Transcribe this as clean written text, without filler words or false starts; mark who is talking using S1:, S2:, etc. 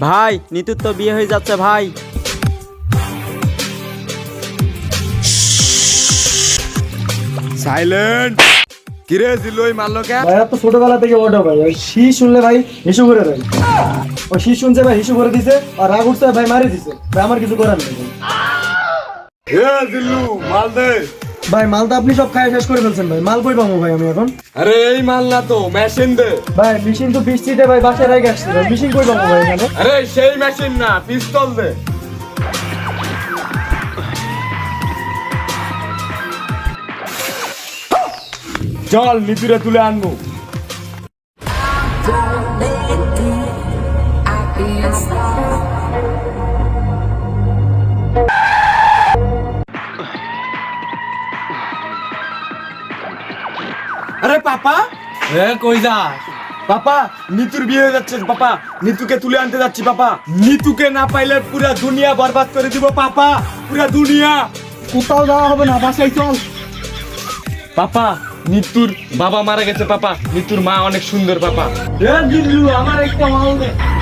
S1: ভাই নিতুর তো বিয়ে হয়ে যাচ্ছে ভাই।
S2: সাইলেন্ট। কিরে জিলুই মারলো কে?
S3: ভাই তো ছোটবেলা থেকে ওটা ভাই ওই শি শুনলে ভাই হিসু করে দেয়। ওই শি শুনছে ভাই হিসু করে দিছে আর রাগ উঠছে ভাই মারি দিছে ভাই আমার কিছু করার নেই ভাই।
S2: এ জিল্লু মাল দে।
S3: ভাই মাল তো আপনি সব খাই শেষ করে ফেলছেন ভাই মাল কই পাবো ভাই আমি এখন?
S2: আরে এই মাল না তো মেশিন দে।
S3: ভাই মেশিন তো বৃষ্টিতে ভাই বাসায় রেখে আসছে ভাই মেশিন কই পাবো ভাই এখানে?
S2: আরে সেই মেশিন না পিস্তল দে। চল নিতুরে তুলে আনবো। আরে পাপা
S1: কই যা?
S2: পাপা নিতুর বিয়ে হয়ে যাচ্ছে পাপা, নিতুকে তুলে আনতে যাচ্ছি পাপা। নিতুকে না পাইলে পুরা দুনিয়া বরবাদ করে দিব পাপা, পুরা দুনিয়া।
S3: কোথাও যাওয়া হবে না বাসায় চল।
S2: পাপা নিতুর বাবা মারা গেছে পাপা, নিতুর মা অনেক সুন্দর পাপা।
S3: আমার একটা মাল দে।